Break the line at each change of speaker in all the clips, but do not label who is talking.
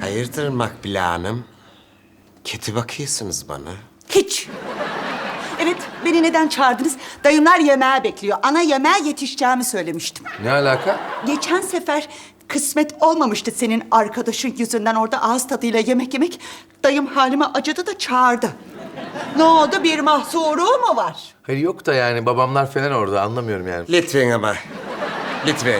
Hayırdır Makbule Hanım? Kötü bakıyorsunuz bana.
Hiç. Evet, beni neden çağırdınız? Dayımlar yemeğe bekliyor. Ana yemeğe yetişeceğimi söylemiştim.
Ne alaka?
Geçen sefer kısmet olmamıştı senin arkadaşın yüzünden orada ağız tadıyla yemek yemek. Dayım halime acıdı da çağırdı. Ne oldu? Bir mahsuru mu var?
Hayır yok da yani babamlar falan orada anlamıyorum yani.
Lütfen ama. Lütfen.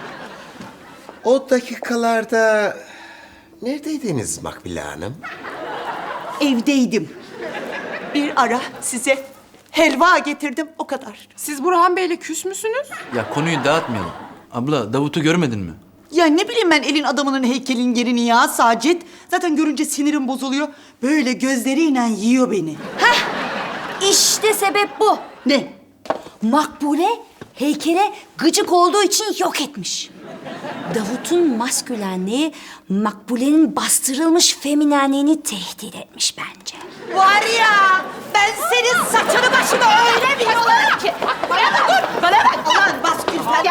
O dakikalarda neredeydiniz Makbule Hanım?
Evdeydim. Bir ara size helva getirdim, o kadar.
Siz Burhan Bey'le küs müsünüz?
Ya konuyu dağıtmayalım. Abla Davut'u görmedin mi?
Ya ne bileyim ben elin adamının heykelin yerini ya Sacit. Zaten görünce sinirim bozuluyor. Böyle gözleriyle yiyor beni.
İşte sebep bu.
Ne?
Makbule heykele gıcık olduğu için yok etmiş. Davut'un maskülenliği Makbule'nin bastırılmış feminenliğini tehdit etmiş bence.
Var ya, ben senin saçını başını öyle bir yolarım ki. Bana bak. Ulan baskül falan.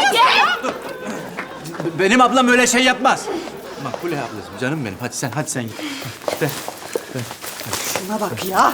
Benim ablam öyle şey yapmaz. Makbule ablacığım, canım benim. Hadi sen git. De.
Şuna bak ya.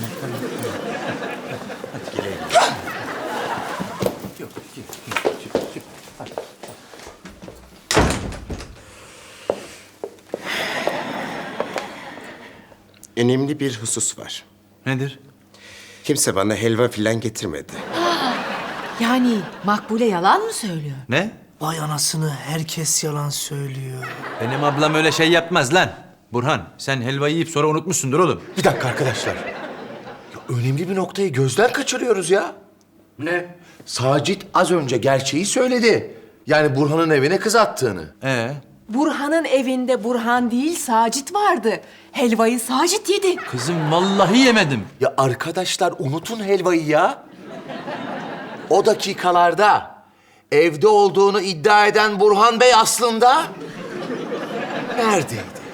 Önemli bir husus var.
Nedir?
Kimse bana helva filan getirmedi.
Yani Makbule yalan mı söylüyor?
Ne?
Vay anasını, herkes yalan söylüyor.
Benim ablam öyle şey yapmaz lan. Burhan, sen helvayı yiyip sonra unutmuşsundur oğlum.
Bir dakika arkadaşlar. Ya, önemli bir noktayı gözden kaçırıyoruz ya.
Ne?
Sacit az önce gerçeği söyledi. Yani Burhan'ın evine kız attığını.
Burhan'ın evinde Burhan değil Sacit vardı. Helvayı Sacit yedi.
Kızım vallahi yemedim.
Ya arkadaşlar unutun helvayı ya. O dakikalarda evde olduğunu iddia eden Burhan Bey aslında neredeydi?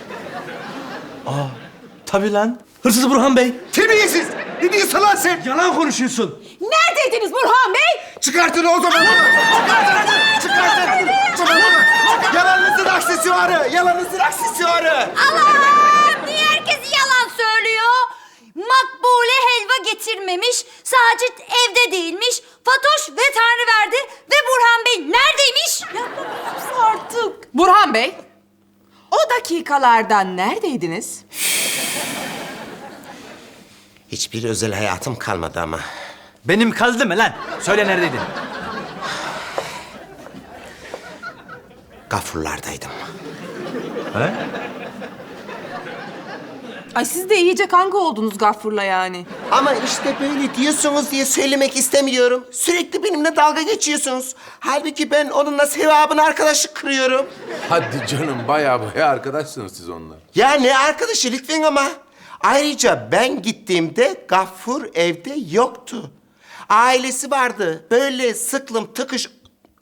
Tabii lan.
Hırsız Burhan Bey.
Terbiyesiz! Ne diyorsun lan sen?
Yalan konuşuyorsun.
Neredeydiniz Burhan Bey?
Çıkartın o zaman onu! Çıkartın! Yalanınızın aksesuarı! Yalanınızın aksesuarı!
Allah'ım! Niye herkes yalan söylüyor? Makbule helva getirmemiş, Sacit evde değilmiş, Fatoş veteriner verdi ve Burhan Bey neredeymiş?
Artık. Burhan Bey, o dakikalarda neredeydiniz?
Hiçbir özel hayatım kalmadı ama.
Benim kaldı mı lan? Söyle neredeydin?
Gafurlardaydım.
He?
Ay siz de iyice kanka oldunuz Gaffur'la yani.
Ama işte böyle diyorsunuz diye söylemek istemiyorum. Sürekli benimle dalga geçiyorsunuz. Halbuki ben onunla sevabını arkadaşlık kırıyorum.
Hadi canım baya arkadaşsınız siz onunla.
Ya ne arkadaşı lütfen ama. Ayrıca ben gittiğimde Gaffur evde yoktu. Ailesi vardı. Böyle sıklım tıkış...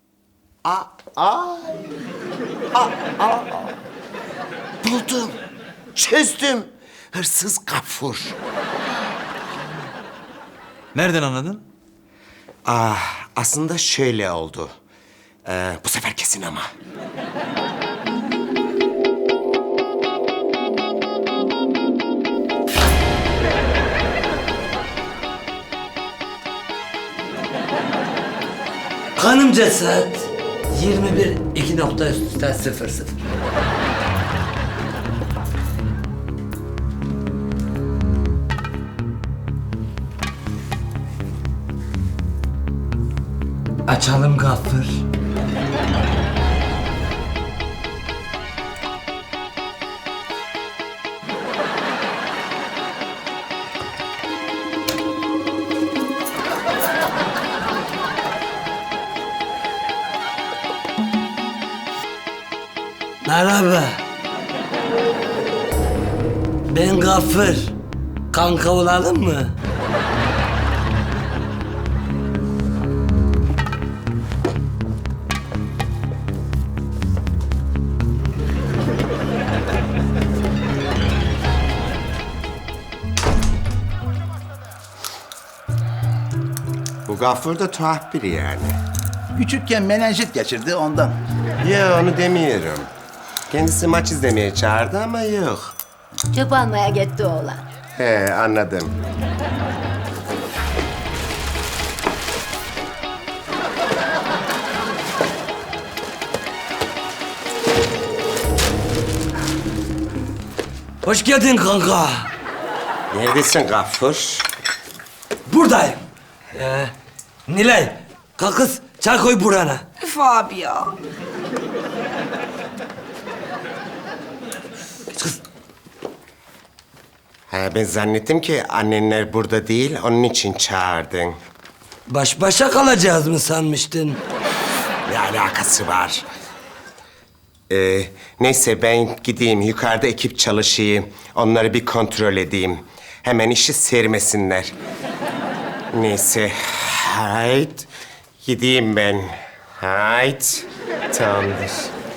Buldum. Çözdüm. Hırsız Gaffur.
Nereden anladın?
Aslında şöyle oldu. Bu sefer kesin ama.
Kanımca saat 21:02.00. Açalım Gaffur. Merhaba. Ben Gaffur. Kanka olalım mı?
Bu Gaffur da tuhaf biri yani.
Küçükken menenjit geçirdi ondan.
Ya onu demiyorum. Kendisi maç izlemeye çağırdı ama yok.
Çöp almaya gitti oğlan.
He, anladım.
Hoş geldin kanka.
Neredesin Gaffur?
Buradayım. Nilay, kalk kız. Çay koy burana.
Üf abi ya.
Ha, ben zannettim ki annenler burada değil, onun için çağırdın.
Baş başa kalacağız mı sanmıştın?
Ne alakası var? Neyse ben gideyim, yukarıda ekip çalışayım. Onları bir kontrol edeyim. Hemen işi sermesinler. Neyse, hayt. Gideyim ben. Hayt. Tamamdır.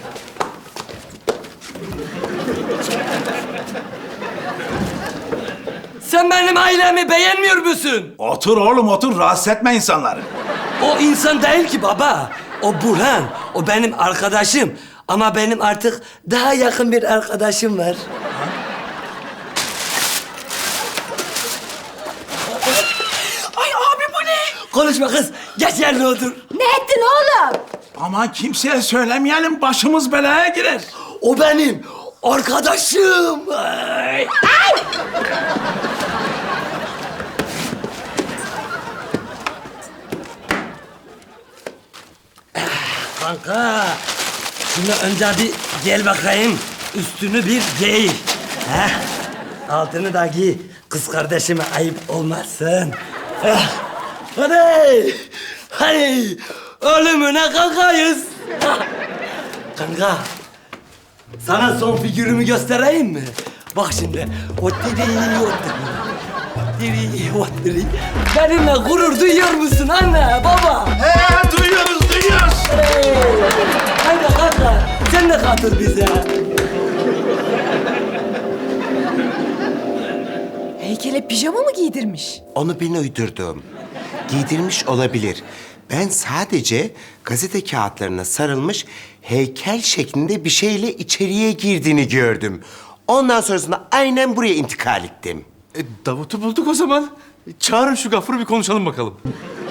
Sen benim ailemi beğenmiyor musun?
Otur oğlum otur, rahatsız etme insanları.
O insan değil ki baba. O Burhan. O benim arkadaşım. Ama benim artık daha yakın bir arkadaşım var.
Ay abi bu ne?
Konuşma kız. Geç yerine otur.
Ne ettin oğlum?
Aman kimseye söylemeyelim, başımız belaya girer.
O benim arkadaşım. Ay. Kanka, şunu önce bir gel bakayım. Üstünü bir giy. Heh. Altını da giy. Kız kardeşime ayıp olmasın. Hadi. Hadi. Ölümüne kankayız. Kanka, sana son figürümü göstereyim mi? Bak şimdi. O diri. Benimle gurur duyuyor musun anne, baba?
He duyuyoruz.
Hey! Haydi kanka, sen de katıl bize.
Heykele pijama mı giydirmiş?
Onu ben uydurdum. Giydirmiş olabilir. Ben sadece gazete kağıtlarına sarılmış heykel şeklinde bir şeyle içeriye girdiğini gördüm. Ondan sonrasında aynen buraya intikal ettim.
Davut'u bulduk o zaman. Çağırın şu Gafur'u bir konuşalım bakalım.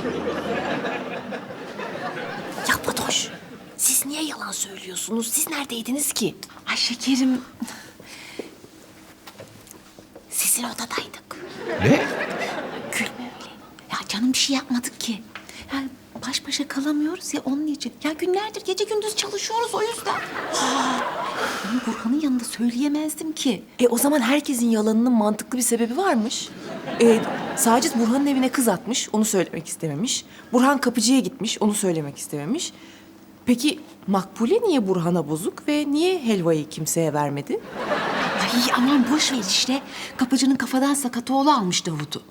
Ya Fatoş, siz niye yalan söylüyorsunuz? Siz neredeydiniz ki? Ay şekerim, sizin odadaydık.
Ne?
Gülme öyle. Ya canım bir şey yapmadık ki. Ya baş başa kalamıyoruz ya onun için. Ya günlerdir gece gündüz çalışıyoruz o yüzden. Bunu Burhan'ın yanında söyleyemezdim ki. O zaman herkesin yalanının mantıklı bir sebebi varmış. Sacit Burhan'ın evine kız atmış, onu söylemek istememiş. Burhan kapıcıya gitmiş, onu söylemek istememiş. Peki Makbule niye Burhan'a bozuk ve niye helvayı kimseye vermedi?
Ay aman boş ver işte. Kapıcının kafadan sakat oğlu almış Davut'u.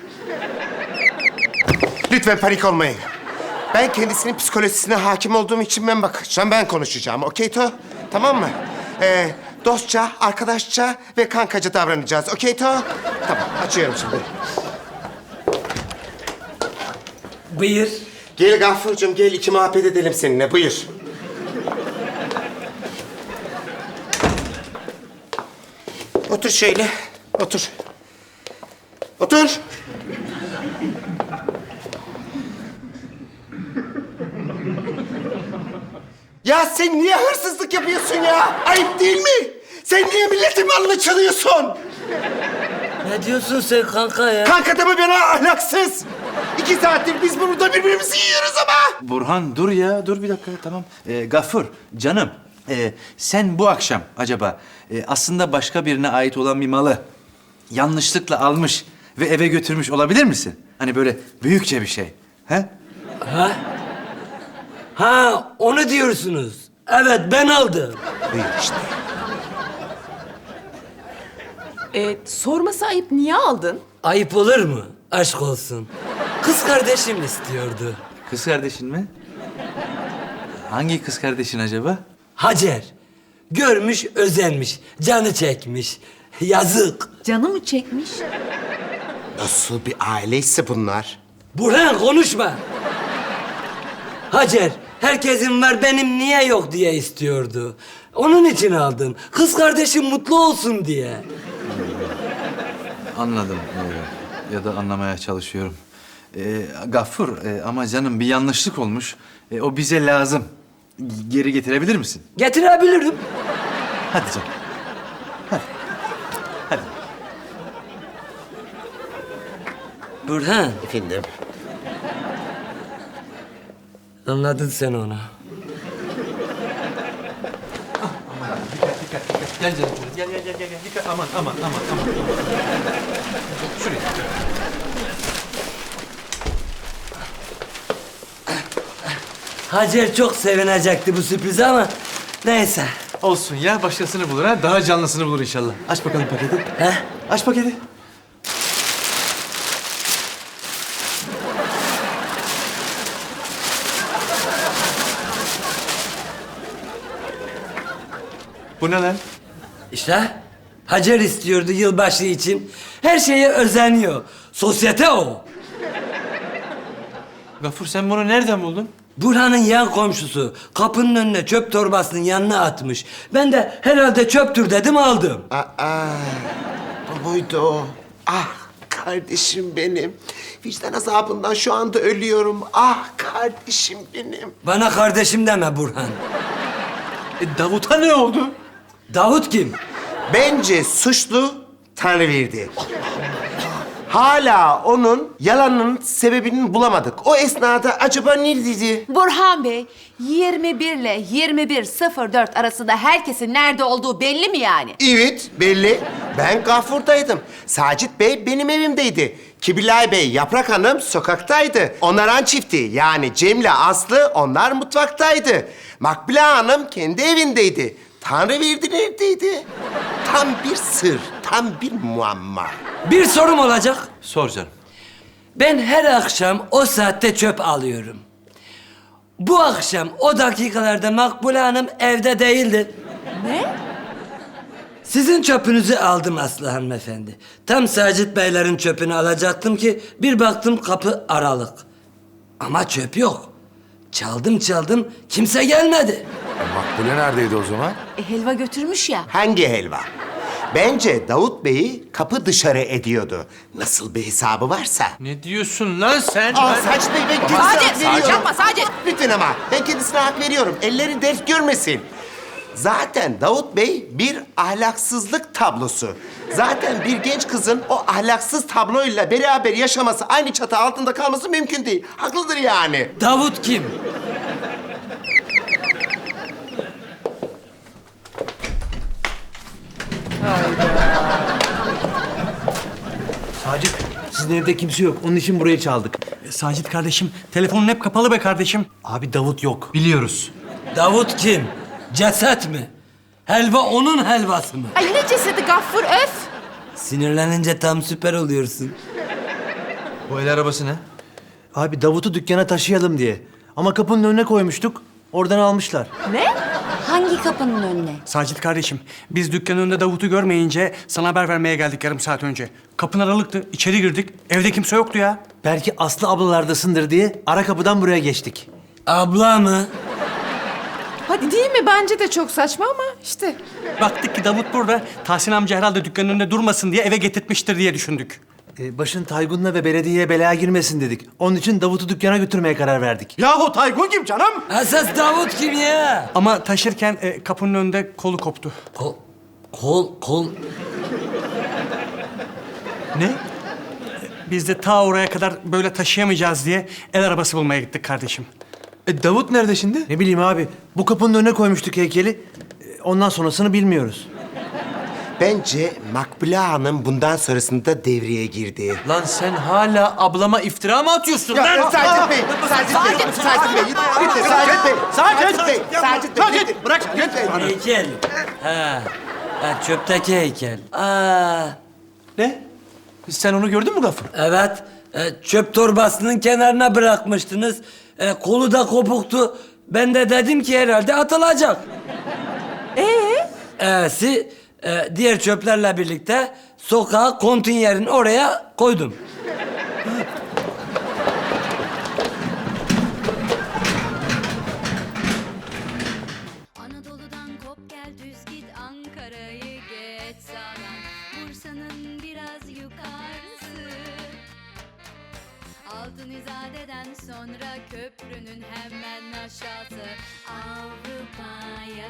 Lütfen panik olmayın. Ben kendisinin psikolojisine hakim olduğum için ben bakacağım, ben konuşacağım. Okey To? Tamam mı? Dostça, arkadaşça ve kankaca davranacağız. Okey To? Tamam, açıyorum şimdi.
Buyur.
Gel Gafurcuğum, gel iki muhabbet edelim seninle. Buyur. Otur şöyle, otur. Otur. Ya sen niye hırsızlık yapıyorsun ya? Ayıp değil mi? Sen niye milletin malını çalıyorsun?
Ne diyorsun sen kanka ya?
Kanka deme bana ahlaksız. 2 saattir biz burada birbirimizi yiyoruz ama.
Burhan dur ya, dur bir dakika tamam. Gafur, canım. Sen bu akşam acaba aslında başka birine ait olan bir malı yanlışlıkla almış ve eve götürmüş olabilir misin? Hani böyle büyükçe bir şey. He?
Ha, onu diyorsunuz. Evet, ben aldım.
Buyur işte.
Sorması ayıp, niye aldın?
Ayıp olur mu? Aşk olsun. Kız kardeşim istiyordu.
Kız kardeşin mi? Hangi kız kardeşin acaba?
Hacer. Görmüş, özenmiş, canı çekmiş. Yazık.
Canı mı çekmiş?
Nasıl bir aileyse bunlar?
Burhan konuşma. Hacer, herkesin var benim niye yok diye istiyordu. Onun için aldım. Kız kardeşim mutlu olsun diye.
Anladım ya da anlamaya çalışıyorum. Gaffur ama canım bir yanlışlık olmuş. O bize lazım. Geri getirebilir misin?
Getirebilirim.
Hadi canım. Hadi.
Burhan,
Efendim?
anladın sen onu.
Gel canım. Gel. Dikkat. Aman. Şuraya.
Hacer çok sevinecekti bu sürprize ama neyse.
Olsun ya, başkasını bulur ha. Daha canlısını bulur inşallah. Aç bakalım paketi.
He?
Aç paketi. Bu ne lan?
İşte Hacer istiyordu yılbaşı için. Her şeye özeniyor. Sosyete o.
Gaffur sen bunu nereden buldun?
Burhan'ın yan komşusu kapının önüne çöp torbasının yanına atmış. Ben de herhalde çöptür dedim aldım.
Bu muydu o? Ah kardeşim benim. Vicdan azabından şu anda ölüyorum. Ah kardeşim benim.
Bana kardeşim deme Burhan.
Davut'a ne oldu?
Davut kim?
Bence suçlu Tanrıverdi. Hala onun yalanının sebebini bulamadık. O esnada acaba neredeydi?
Burhan Bey, 21 ile 21.04 arasında herkesin nerede olduğu belli mi yani?
Evet, belli. Ben Gafur'daydım. Sacit Bey benim evimdeydi. Kibilay Bey, Yaprak Hanım sokaktaydı. Onaran çifti yani Cem'le Aslı onlar mutfaktaydı. Makbule Hanım kendi evindeydi. Tanrıverdi neredeydi? Tam bir sır, tam bir muamma.
Bir sorum olacak.
Sor canım.
Ben her akşam o saatte çöp alıyorum. Bu akşam o dakikalarda Makbule Hanım evde değildi.
Ne?
Sizin çöpünüzü aldım Aslı hanımefendi. Tam Sacit Beylerin çöpünü alacaktım ki bir baktım kapı aralık. Ama çöp yok. Çaldım kimse gelmedi.
Makbule neredeydi o zaman?
Helva götürmüş ya.
Hangi helva? Bence Davut Bey'i kapı dışarı ediyordu. Nasıl bir hesabı varsa.
Ne diyorsun lan sen?
Sacit Bey ben kendisine hak
Sacit,
veriyorum.
yapma Sacit.
Lütfen ama ben kendisine hak veriyorum. Elleri dert görmesin. Zaten Davut Bey bir ahlaksızlık tablosu. Zaten bir genç kızın o ahlaksız tabloyla beraber yaşaması, aynı çatı altında kalması mümkün değil. Haklıdır yani.
Davut kim?
Sacit, sizin evde kimse yok. Onun için burayı çaldık.
Sacit kardeşim, telefonun hep kapalı be kardeşim.
Abi Davut yok.
Biliyoruz.
Davut kim? Ceset mi? Helva onun helvası mı?
Ay ne cesedi Gaffur, öf!
Sinirlenince tam süper oluyorsun.
Bu el arabası ne?
Abi Davut'u dükkana taşıyalım diye. Ama kapının önüne koymuştuk. Oradan almışlar.
Ne? Hangi kapının önüne?
Sacit kardeşim, biz dükkanın önünde Davut'u görmeyince sana haber vermeye geldik yarım saat önce. Kapın aralıktı, içeri girdik. Evde kimse yoktu ya.
Belki Aslı ablalardasındır diye ara kapıdan buraya geçtik.
Abla mı?
Hadi değil mi? Bence de çok saçma ama işte.
Baktık ki Davut burada. Tahsin amca herhalde dükkanın önünde durmasın diye eve getirtmiştir diye düşündük.
Başın Taygun'la ve belediyeye belaya girmesin dedik. Onun için Davut'u dükkana götürmeye karar verdik.
Yahu Taygun kim canım?
Esas Davut kim ya?
Ama taşırken kapının önünde kolu koptu.
Kol.
Ne? Biz de ta oraya kadar böyle taşıyamayacağız diye el arabası bulmaya gittik kardeşim.
Davut nerede şimdi?
Ne bileyim abi, bu kapının önüne koymuştuk heykeli. Ondan sonrasını bilmiyoruz.
Bence Makbule Hanım bundan sonrasında devreye girdi.
Lan sen hala ablama iftira mı atıyorsun lan?
Sacit Bey, Sacit Bey, Sacit Bey, lütfen Sacit Bey, Sacit Bey, Sacit Bey, lütfen. Bırak, lütfen.
Heykel. Ha, çöpteki heykel.
Ne? Sen onu gördün mü Gaffur?
Evet. Çöp torbasının kenarına bırakmıştınız. Kolu da kopuktu. Ben de dedim ki herhalde atılacak. Diğer çöplerle birlikte sokağa, konteynerin oraya koydum.
Anadolu'dan kop gel
Altunizade'den sonra köprünün hemen aşağısı. Avrupa